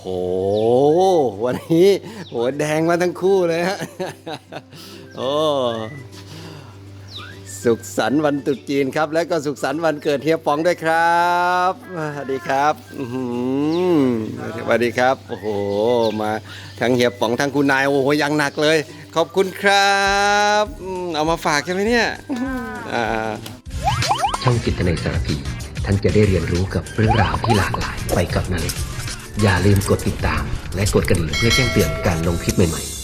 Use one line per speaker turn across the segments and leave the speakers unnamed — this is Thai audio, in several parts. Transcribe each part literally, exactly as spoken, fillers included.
วันนี้โหแดงมาทั้งคู่เลยฮะโอ้สุขสันต์วันตรุษจีนครับและก็สุขสันต์วันเกิดเฮียป๋องด้วยครับสวัสดีครับสวัสดีครับโอ้โหมาทั้งเฮียป๋องทั้งคุณนายโอ้โหยังหนักเลยขอบคุณครับเอามาฝากใช่ไหมเนี่ย
ช่องจิตนาสารพีท่านจะได้เรียนรู้กับเรื่องราวที่หลากหลายไปกับนาเล็กอย่าลืมกดติดตามและกดกระดิ่งเพื่อแจ้งเตือนการลงคลิปใหม่ๆ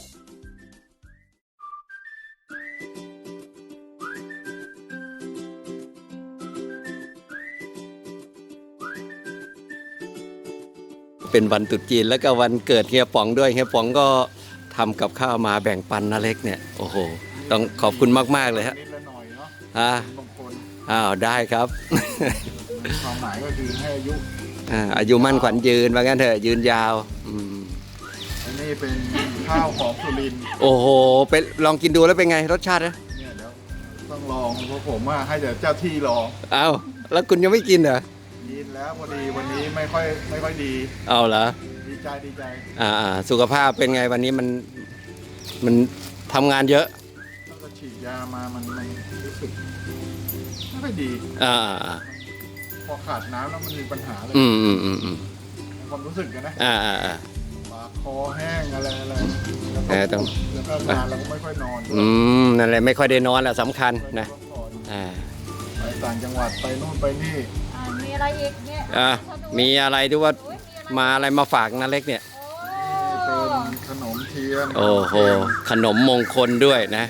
เป็นวันตรุษจีนแล้วก็วันเกิดเฮียป๋องด้วยเฮียป๋องก็ทำกับข้าวมาแบ่งปันนาเล็กเนี่ยโอ้โหต้องขอบคุณมากๆเลยฮะอ่าอ้าวได้ครับ
ความหมายก็คือให้อายุ
อายุมั่นขวัญยืนว่างั้นเถอะยืนยาว
อันนี้เป็นข้าวของสุรินทร์
โอ้โหเป็นลองกินดูแล้วเป็นไงรสชาตินะ
เนี่ยเดี๋ยวต้องลองเพราะผมว่าให้เดี๋ยวเจ้าที่ลอง
อ้าวแล้วคุณยังไม่กินเหรอ
กินแล้วพอดีวันนี้ไม่ค่อยไม่ค่อยดี
เอาเหรอ
ดีใจดีใจ
อ่าสุขภาพเป็นไงวันนี้มันมันทำงานเยอะ
แล้วก็ฉีดยามามันมันรู้สึกไม่ค่อยดี
อ่า
พอขาดน้ำแล้วมันมีปัญหาเลย
อืมอืมอืมอืม
ความรู้สึกกันนะ
อ่าอ่าอ่า
ปากคอแห้งอะไรอะไรแล้วก็แล้วก็งานเราก็ไม่ค่อยนอน
อืมนั่นแหละไม่ค่อยได้นอนแหละสำคัญนะอ่า
ไปต่างจังหวัดไปนู่นไปนี่
มีอะไรอีกเนี่ย
อ่ามีอะไรที่ว่ามาอะไรมาฝากนาเล็กเนี่ย
เป็นขนมเทียน
โอ้โหขนมมงคลด้วยนะ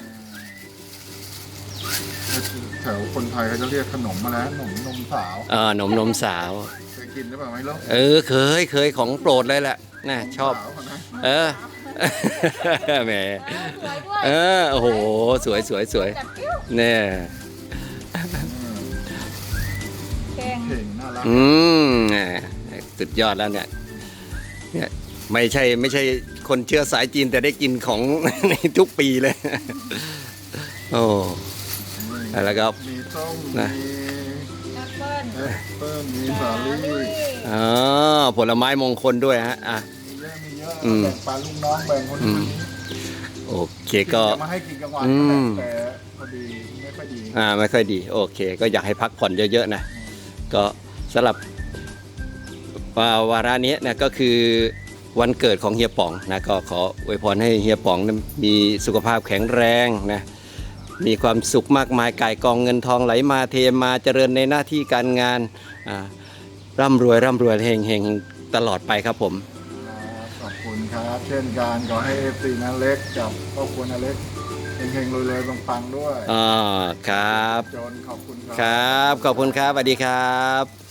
แถวคนไทยเขาจะเรียกขนมมาแล้วขนมนมสาว
เออขนมนมสาว
เคยกินหรือเปล่าไม่รู้
เออเคยเคยของโปรดเลยแหละน่ะชอบเออแหมเออโอ้โหสวยสวยสวยเนี่ย
เก่งน่ารัก
อืมสุดยอดแล้วเนี่ยเนี่ยไม่ใช่ไม่ใช่คนเชื้อสายจีนแต่ได้กินของในทุกปีเลยโอ้แล้วก็
มีส้มมีแอปเปิ้ลแอปเปิ้ลมีสาลี่
อ๋อผลไม้มงคลด้วยฮะอ่ะ
เยอะมีเยอะแบ่งปันลูกน้องแบ่งคนนี้
โอเคก็
มาให้กินกลางวันแต่พอดีไม่ค่อยดี
อ่าไม่ค่อยดีโอเคก็อยากให้พักผ่อนเยอะๆนะก็สำหรับวาระนี้นะก็คือวันเกิดของเฮียป๋องนะก็ขออวยพรให้เฮียป๋องมีสุขภาพแข็งแรงนะมีความสุขมากมายก่ายกองเงินทองไหลมาเทมาเจริญในหน้าที่การงานร่ำรวยร่ำรวยเฮงเฮงตลอดไปครับผม
ขอบคุณครับเช่นกันขอให้เอฟซีนาเล็กกับครอบครัวนาเล็กเฮงเฮงรวยรวยปังๆด้วย
อ๋อครับ
จนขอบคุณ
ครับขอบคุณครับสวัสดีครับ